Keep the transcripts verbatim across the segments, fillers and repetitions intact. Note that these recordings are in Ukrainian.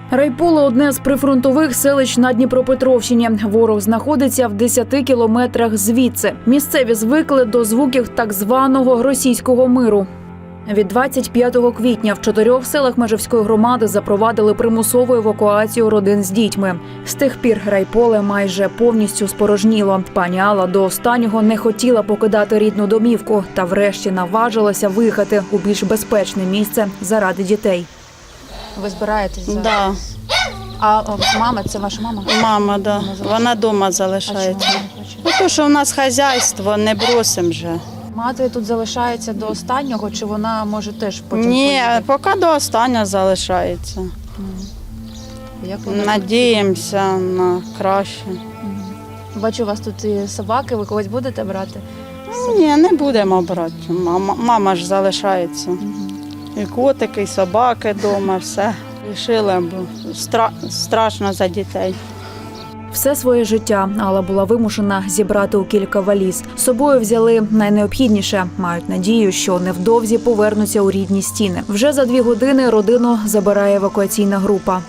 Райполе – одне з прифронтових селищ на Дніпропетровщині. Ворог знаходиться в десяти кілометрах звідси. Місцеві звикли до звуків так званого російського миру. Від двадцять п'ятого квітня в чотирьох селах Межівської громади запровадили примусову евакуацію родин з дітьми. З тих пір Райполе майже повністю спорожніло. Пані Алла до останнього не хотіла покидати рідну домівку та врешті наважилася виїхати у більш безпечне місце заради дітей. Ви збираєтесь зараз? Да. А о, мама, це ваша мама? Мама, да. Вона вдома залишається. А чому вона не хоче? Ну, то, що в нас хазяйство, не бросимо вже. Мати тут залишається до останнього, чи вона може теж потім Ні, поїде? поки до останнього залишається. Як вона Надіємося на краще. тут? Бачу, у вас тут і собаки, ви когось будете брати? Ні, не будемо брати. Мама, мама ж залишається. І котики, і собаки вдома, все. Рішили, бо стра... страшно за дітей. Все своє життя Алла була вимушена зібрати у кілька валіз. З собою взяли найнеобхідніше. Мають надію, що невдовзі повернуться у рідні стіни. Вже за дві години родину забирає евакуаційна група.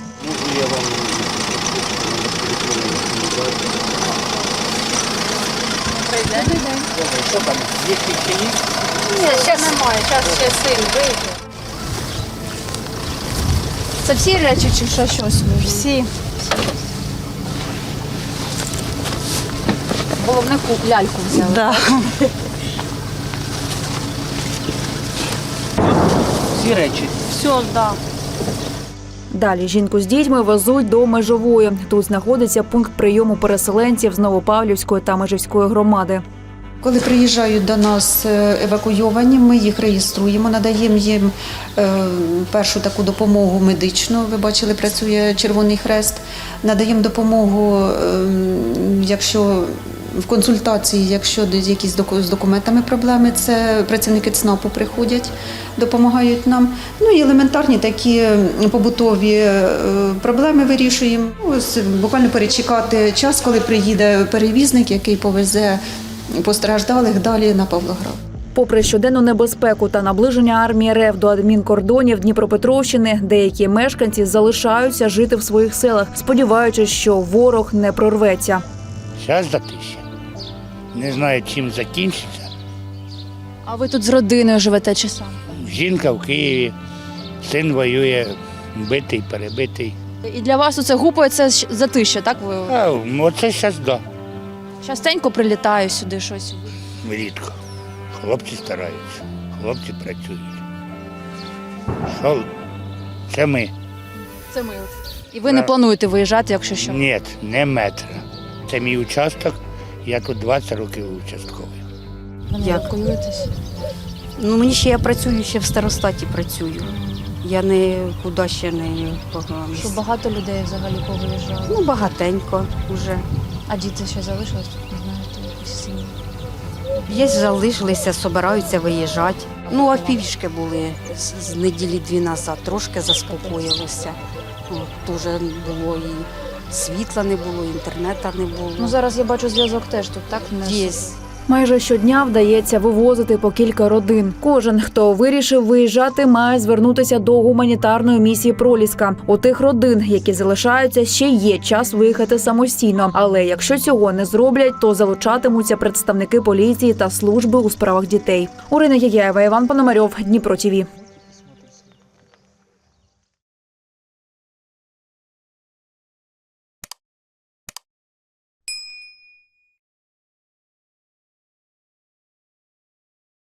Що там, є чи ні? Ні, зараз немає, зараз ще син вийде. Це всі речі чи що щось? Всі. Головне ляльку взяли. Да. Всі речі. Все, да. Далі жінку з дітьми везуть до Межової. Тут знаходиться пункт прийому переселенців з Новопавлівської та Межівської громади. Коли приїжджають до нас евакуйовані, ми їх реєструємо, надаємо їм е, першу таку допомогу медичну. Ви бачили, працює Червоний Хрест. Надаємо допомогу, е, якщо в консультації, якщо якісь з документами проблеми, це працівники ЦНАПу приходять, допомагають нам. Ну і елементарні такі побутові е, проблеми вирішуємо. Ось буквально перечекати час, коли приїде перевізник, який повезе постраждалих далі на Павлоград. Попри щоденну небезпеку та наближення армії РФ до адмінкордонів Дніпропетровщини, деякі мешканці залишаються жити в своїх селах, сподіваючись, що ворог не прорветься. Зараз затища. Не знаю, чим закінчиться. А ви тут з родиною живете чи сам? Жінка в Києві, син воює, битий, перебитий. І для вас оце гупає, це затища, так? Ви А оце зараз, да, частенько прилітаю сюди щось. рідко. Хлопці стараються, хлопці працюють. Що? Це ми. Це ми. І ви не плануєте виїжджати, якщо що? Ні, не метра. Це мій участок, я тут двадцять років участковий. Ви не Як? евакуюєтесь? Ну, мені ще я працюю, ще в старостаті працюю. Я нікуди ще не погнала. Що багато людей взагалі повиїжджали. Ну, багатенько вже. А діти ще залишились? Не знаєте, якісь сім'ї? Є залишилися, збираються виїжджати. Ну, а півішки були з, з неділі дві назад, трошки заспокоїлося. От, дуже було і світла не було, і інтернету не було. Ну зараз я бачу зв'язок теж тут, так? Не Є. Майже щодня вдається вивозити по кілька родин. Кожен, хто вирішив виїжджати, має звернутися до гуманітарної місії «Проліска». У тих родин, які залишаються, ще є час виїхати самостійно. Але якщо цього не зроблять, то залучатимуться представники поліції та служби у справах дітей. Орина Яяєва, Іван Пономарьов, Дніпро ТІВІ.